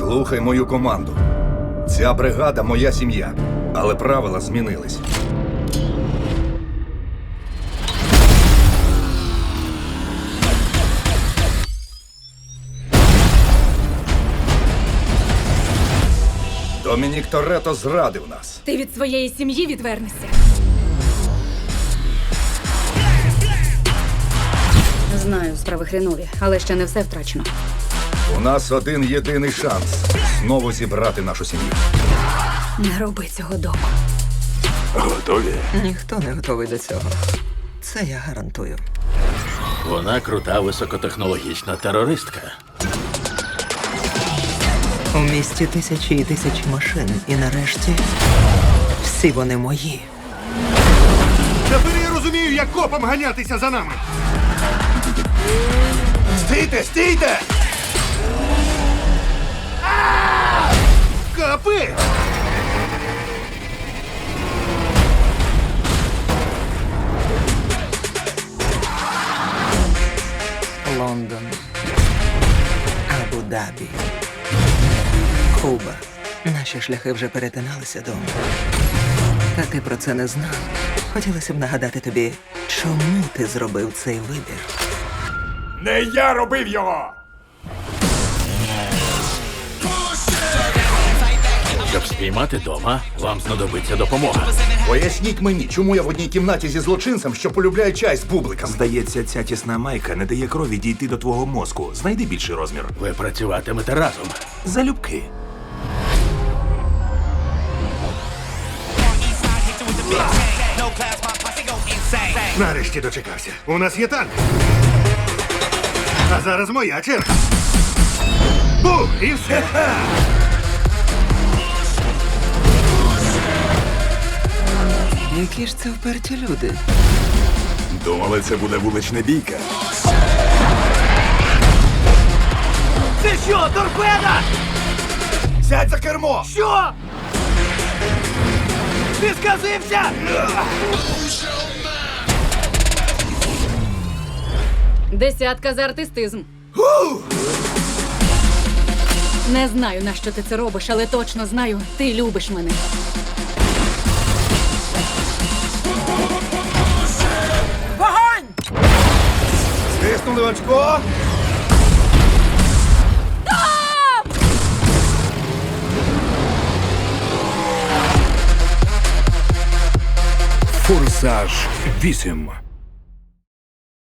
Слухай мою команду. Ця бригада – моя сім'я, але правила змінились. Домінік Торетто зрадив нас. Ти від своєї сім'ї відвернешся. Знаю, справи хренові, але ще не все втрачено. У нас один єдиний шанс знову зібрати нашу сім'ю. Не роби цього дома. Готові? Ніхто не готовий до цього. Це я гарантую. Вона крута високотехнологічна терористка. У місті тисячі і тисячі машин. І нарешті всі вони мої. Тепер я розумію, як копам ганятися за нами. Стійте, стійте! Капи! Лондон, Абу-Дабі, Куба. Наші шляхи вже перетиналися, Дом. Та ти про це не знав. Хотілося б нагадати тобі, чому ти зробив цей вибір. Не я робив його! Щоб спіймати дома, вам знадобиться допомога. Поясніть мені, чому я в одній кімнаті зі злочинцем, що полюбляє чай з бубликами. Здається, ця тісна майка не дає крові дійти до твого мозку. Знайди більший розмір. Ви працюватимете разом. Залюбки. Нарешті дочекався. У нас є танк. А зараз моя черга. Бум! І все. Які ж це вперті люди? Думали, це буде вулична бійка. Це що, торпеда? Сядь за кермо! Що? Ти сказився? Десятка за артистизм. Не знаю, на що ти це робиш, але точно знаю, ти любиш мене. Стиснули очко! Форсаж 8.